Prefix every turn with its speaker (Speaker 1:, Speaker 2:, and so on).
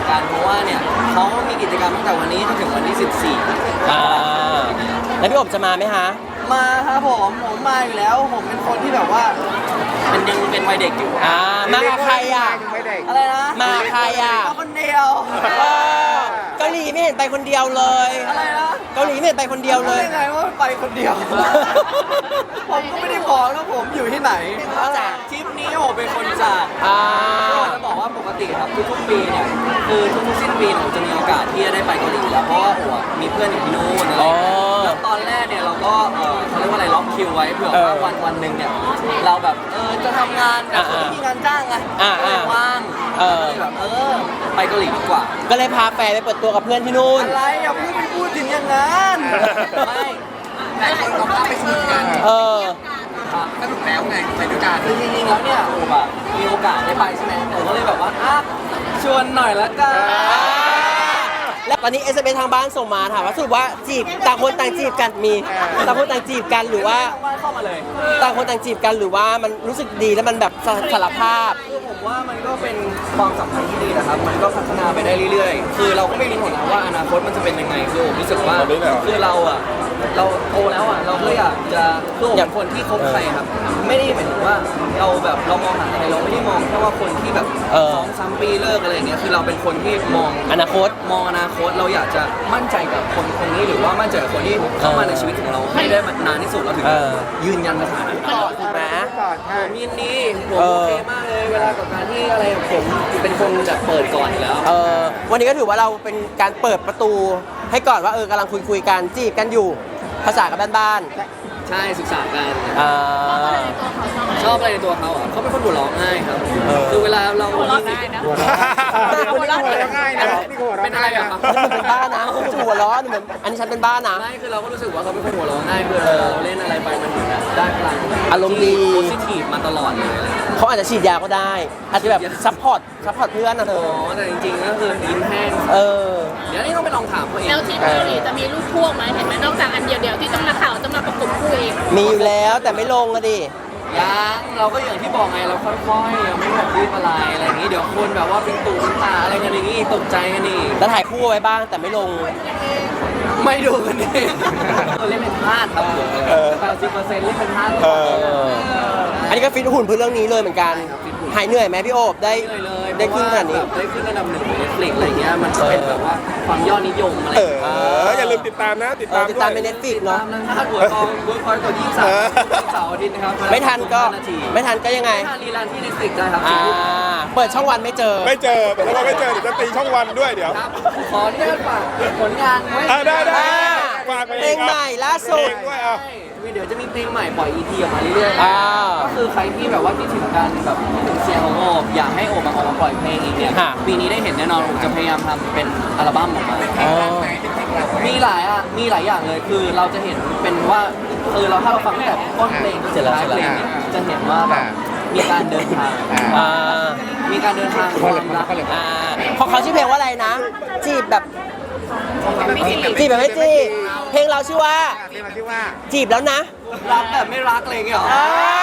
Speaker 1: กันเพราะว่าเนี่ยเขามีกิจกรรมตั้งแต่วันนี้จนถึงวันที่14
Speaker 2: แล้วพี่อบจะมาไหมฮะ
Speaker 1: มาครับผมมาอยู่แล้วผมเป็นคนที่แบบว่ายังเป็นวัยเด็กอยู่
Speaker 2: มากับใครอ่ะ
Speaker 1: อะไรนะ
Speaker 2: มาใครอ่ะ
Speaker 1: มาคนเดียว
Speaker 2: เกาหลีไม่เห็นไปคนเดียวเลย
Speaker 1: อะไรนะ
Speaker 2: เกาหลีไม่เห็นไปคนเดียวเลย
Speaker 1: ยังไงว่าไปคนเดียวผมก็ไม่ได้บอกแล้วผมอยู่ที่ไหนจากทริปนี้ผมเป็นคนจากจะบอกว่าปกติครับทุกๆปีเนี่ยคือทุกๆสิ้นปีผมจะมีโอกาสที่จะได้ไปเกาหลีแล้วเพราะว่ามีเพื่อนอยู่ที่นู่นอะไรแล้วตอนแรกเนี่ยเราก็เขาเรียกว่าอะไรล็อกคิวไว้เผื่อว่าวันหนึ่งเนี่ยเราแบบจะทำงานแต่ไม่มีงานจ้างไงว่างแบบไปเกาหลีดีกว่า
Speaker 2: ก็เลยพาแฟนไปเปิดตัวกับเพื่อนที่นู่น
Speaker 1: อะไรอย่าพูดถึงอย่างนั้นไม่แต่คนเราก็ไปสนุกกันสนุกแล้วไงไปด้วยกันคือจริงๆแล้วเนี่ยโอ้แบบมีโอกาสได้ไปใช่ไหมผมก็เลยแบบว่าชวนหน่อยละกัน
Speaker 2: แล้วตอนนี้SMS ทางบ้านส่งมาถามว่าสรุปว่าจีบต่างคนต่างจีบกันมีต่างคนต่างจีบกันหรือว่า
Speaker 1: เข้ามาเลย
Speaker 2: ต่างคนต่างจีบกันหรือว่ามันรู้สึกดีแล้วมันแบบสารภาพ
Speaker 1: คือผมว่ามันก็เป็นความสัมพันธ์ที่ดีนะครับมันก็พัฒนาไปได้เรื่อยๆคือเราก็ไม่รู้หรอกนะว่าอนาคตมันจะเป็นยังไงคือผมรู้สึกว่าคือเราโตแล้วเราก็อยากจะคืออย่างคนที่คบใครครับไม่ได้หมายถึงว่าเราแบบเรามองหาอะไรเราไม่ได้มองแค่ว่าคนที่แบบ2-3 ปีเลิกอะไรอย่างเงี้ยคือเราเป็นคนที่มอง
Speaker 2: อนาคต
Speaker 1: เราอยากจะมั่นใจกับคนนี้หรือว่ามั่นใจกับคนที่เข้ามาในชีวิตของเราให้ได้นานที่สุดเราถึงยืนยันสถานะ
Speaker 2: ถูกไหม
Speaker 1: ผมยินดีผมโอเคมากเลยเวลากับการที่อะไรผมเป็นคนแบบเปิดก่อนอยู่แล้ว
Speaker 2: วันนี้ก็ถือว่าเราเป็นการเปิดประตูให้ก่อนว่ากำลังคุยกันจีบกันอยู่ภาษากับบ้าน
Speaker 1: ใช่ศึกษากันชอบอะไรในตัวเขาเขาเป็นคนหัวเราะง่ายครับคือเวลาเรา
Speaker 3: หัวเราะง่ายนะ
Speaker 1: หัวเราะง่ายนะเป็นอะไรอะครับ
Speaker 2: เป็นบ้านะหัวเราะเหมือนอันนี้ฉันเป็นบ้านะ
Speaker 1: ไม่คือเราก็รู้สึกว่าเขาเป็นคนหัวเราะง่ายคือเราเล่นอะไรไปมันเหมือนได้พลัง
Speaker 2: อารมณ์ดี
Speaker 1: โพสิทีฟมาตลอดเลย
Speaker 2: เขาอาจจะฉีดยาก็ได้อาจจะแบบซัพพอร์ตเพื่อนนะเธอ
Speaker 1: แต่จริงๆก็คือยิ้มแห้งเดี๋ยวนี้ต้องไปลองถามเขาเอง
Speaker 3: แล้วทีมเกาหลีจะมีรูปพ่วงไหมเห็นไหมนอกจากอันเดียวที่ต้องมาข่าวต้องมาประกบคู่เอง
Speaker 2: มีอยู่แล้วแต่ไม่ลงอะดิ
Speaker 1: ยังเราก็อย่างที่บอกไงเราค่อยๆยังไม่แบบรีบอะไรอย่างนี้เดี๋ยวคนแบบว่าเป็นตู่เป็นตาอะไรกันอย่างนี้ตกใจกันนี่
Speaker 2: แล้วถ่ายคู่ไว้บ้างแต่ไม่ลง
Speaker 1: ไม่ดูกันเองเล่นเป็นพลาดครับ80%เล่นเป็นพลาด
Speaker 2: อันนี้ก็ฟิตหุ่นเพื่อเรื่องนี้เลยเหมือนกันหายเหนื่อยไหมพี่โอบได้ขึ้นขนาดนี้
Speaker 1: ได้ขึ้นอันดับ1ของ Netflix อะไรเงี้ยมันจะเป็นแบบว่าความยอดนิยมอะไร
Speaker 4: อย่าลืมติดตามนะติดตาม
Speaker 2: ใน Netflix เนาะ
Speaker 1: ถ้าหัวกองหัวคอยกด23เสาร์อาทิตย์นะครับ
Speaker 2: ไม่ทันก็ยังไง
Speaker 1: ไม่ทันรีลันที่ Netflix ได้ครับ
Speaker 2: เปิดช่องวันไม่เจอ
Speaker 4: แต่ว่าไม่เจอเดี๋ยวจะตีช่องวันด้วยเดี๋ยว
Speaker 1: ขอที่ฝากผลงานไว้
Speaker 4: ได้ฝาก
Speaker 2: เพลงใหม่ล่าสุด
Speaker 1: เดี๋ยวจะมีเพลงใหม่ปล่อย EP ออกมาเรื่อยๆก็คือใครที่แบบว่าคิดถึงการแบบถึงเสียงของโอบอยากให้โอบมาออกมาปล่อยเพลงอีกเนี่ยปีนี้ได้เห็นแน่นอนโอบจะพยายามทำเป็นอัลบั้มออกมามีหลายอย่างเลยคือเราจะเห็นเป็นว่าถ้าเราฟังตั้งแต่ต้นเพลงจนถึงท้ายเพลงเนี่ยจะเห็นว่าแบบมีการเดินทางความรัก
Speaker 2: เพราะเขาชื่อเพลงว่าอะไรนะจีบแบบไม่จีบเพลงเราชื่อว่าจีบแล้วนะ
Speaker 1: รักแต่ไม่รักอะไรอย่างเงี้ยหรอ